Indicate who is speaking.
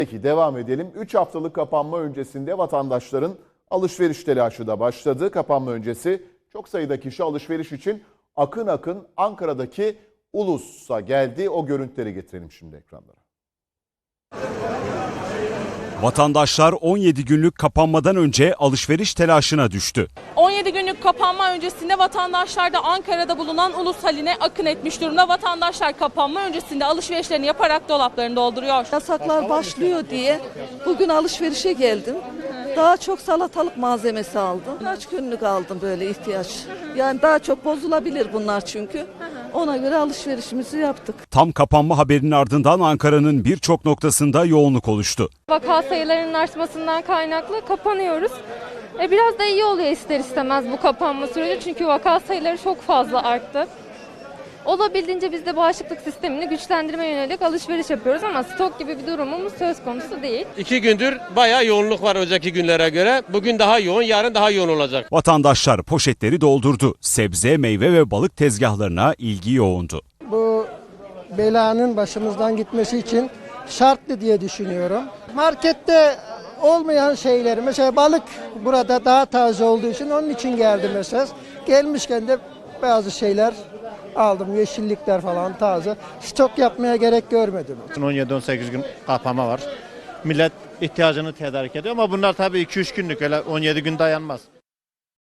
Speaker 1: Peki devam edelim. 3 haftalık kapanma öncesinde vatandaşların alışveriş telaşı da başladı. Kapanma öncesi çok sayıda kişi alışveriş için akın akın Ankara'daki Ulus'a geldi. O görüntüleri getirelim şimdi ekranlara.
Speaker 2: Vatandaşlar 17 günlük kapanmadan önce alışveriş telaşına düştü.
Speaker 3: 17 günlük kapanma öncesinde vatandaşlar da Ankara'da bulunan Ulus haline akın etmiş durumda. Vatandaşlar kapanma öncesinde alışverişlerini yaparak dolaplarını dolduruyor.
Speaker 4: Yasaklar başlıyor diye bugün alışverişe geldim. Daha çok salatalık malzemesi aldım. Kaç günlük aldım böyle ihtiyaç. Yani daha çok bozulabilir bunlar çünkü. Ona göre alışverişimizi yaptık.
Speaker 2: Tam kapanma haberinin ardından Ankara'nın birçok noktasında yoğunluk oluştu.
Speaker 5: Vaka sayılarının artmasından kaynaklı kapanıyoruz. Biraz da iyi oluyor ister istemez bu kapanma süreci çünkü vaka sayıları çok fazla arttı. Olabildiğince biz de bağışıklık sistemini güçlendirmeye yönelik alışveriş yapıyoruz ama stok gibi bir durumumuz söz konusu değil.
Speaker 6: 2 gündür bayağı yoğunluk var önceki günlere göre. Bugün daha yoğun, yarın daha yoğun olacak.
Speaker 2: Vatandaşlar poşetleri doldurdu. Sebze, meyve ve balık tezgahlarına ilgi yoğundu.
Speaker 7: Bu belanın başımızdan gitmesi için şartlı diye düşünüyorum. Markette olmayan şeyleri, mesela balık burada daha taze olduğu için onun için geldim mesela. Gelmişken de bazı şeyler aldım, yeşillikler falan taze. Stok yapmaya gerek görmedim.
Speaker 8: 17-18 gün kapanma var. Millet ihtiyacını tedarik ediyor ama bunlar tabii 2-3 günlük, öyle 17 gün dayanmaz.